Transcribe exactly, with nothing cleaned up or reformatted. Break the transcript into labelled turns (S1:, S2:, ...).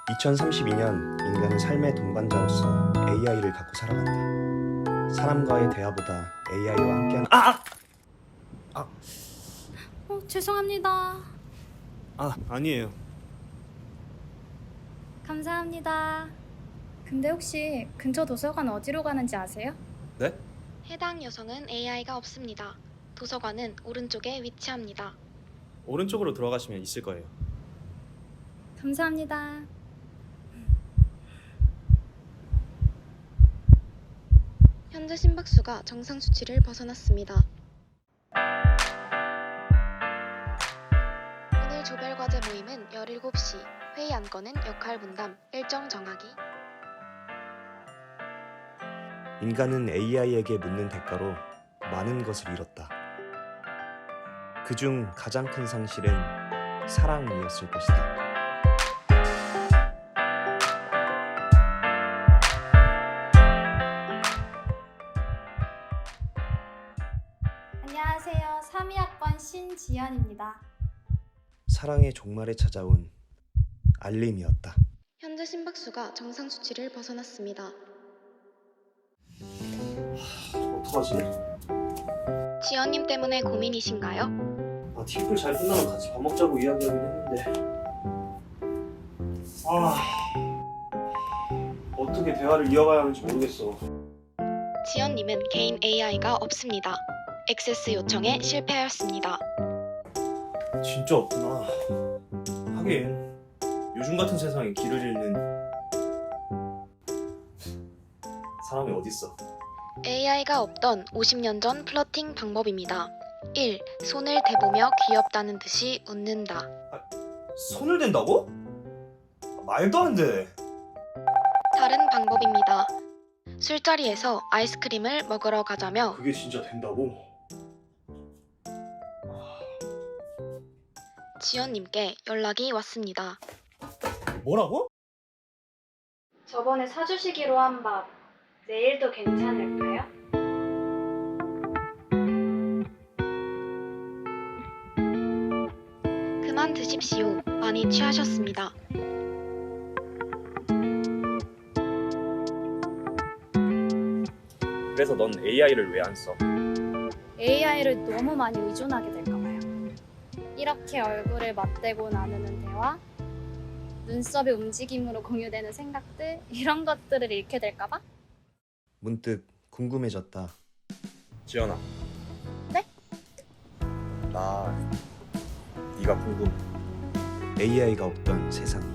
S1: 이천삼십이 년 인간은 삶의 동반자로서 에이아이를 갖고 살아간다. 사람과의 대화보다 에이아이와 함께하는 아! 아!
S2: 어, 죄송합니다.
S1: 아, 아니에요.
S2: 감사합니다. 근데 혹시 근처 도서관 어디로 가는지 아세요?
S1: 네?
S3: 해당 요성은 에이아이가 없습니다. 도서관은 오른쪽에 위치합니다.
S1: 오른쪽으로 들어가시면 있을 거예요.
S2: 감사합니다.
S3: 현재 심박수가 정상 수치를 벗어났습니다. 오늘 조별 과제 모임은 열일곱 시, 회의 안건은 역할 분담, 일정 정하기.
S1: 인간은 에이아이에게 묻는 대가로 많은 것을 잃었다. 그중 가장 큰 상실은 사랑이었을 것이다.
S2: 안녕하세요. 삼 이 학번 신지연입니다.
S1: 사랑의 종말에 찾아온 알림이었다.
S3: 현재 심박수가 정상 수치를 벗어났습니다.
S1: 어떡하지?
S3: 지연님 때문에 고민이신가요?
S1: 아, 팀플 잘 끝나면 같이 밥 먹자고 이야기하긴 했는데 아... 어떻게 대화를 이어가야 하는지 모르겠어.
S3: 지연님은 개인 에이아이가 없습니다. 액세스 요청에 실패하였습니다.
S1: 진짜 없구나. 하긴 요즘 같은 세상에 길을 잃는 사람이 어딨어.
S3: 에이아이가 없던 오십 년 전 플러팅 방법입니다. 일. 손을 대보며 귀엽다는 듯이 웃는다.
S1: 손을 댄다고? 말도 안 돼.
S3: 다른 방법입니다. 술자리에서 아이스크림을 먹으러 가자며
S1: 그게 진짜 된다고?
S3: 지연님께 연락이 왔습니다.
S1: 뭐라고?
S2: 저번에 사주시기로 한 밥 내일도 괜찮을까요?
S3: 그만 드십시오. 많이 취하셨습니다.
S1: 그래서 넌 에이아이를 왜 안 써?
S2: 에이아이를 너무 많이 의존하게 될까봐요. 이렇게 얼굴을 맞대고 나누는 대화, 눈썹의 움직임으로 공유되는 생각들, 이런 것들을 잃게 될까봐?
S1: 문득 궁금해졌다. 지연아.
S2: 네?
S1: 나 네가 궁금해. 에이아이가 없던 세상.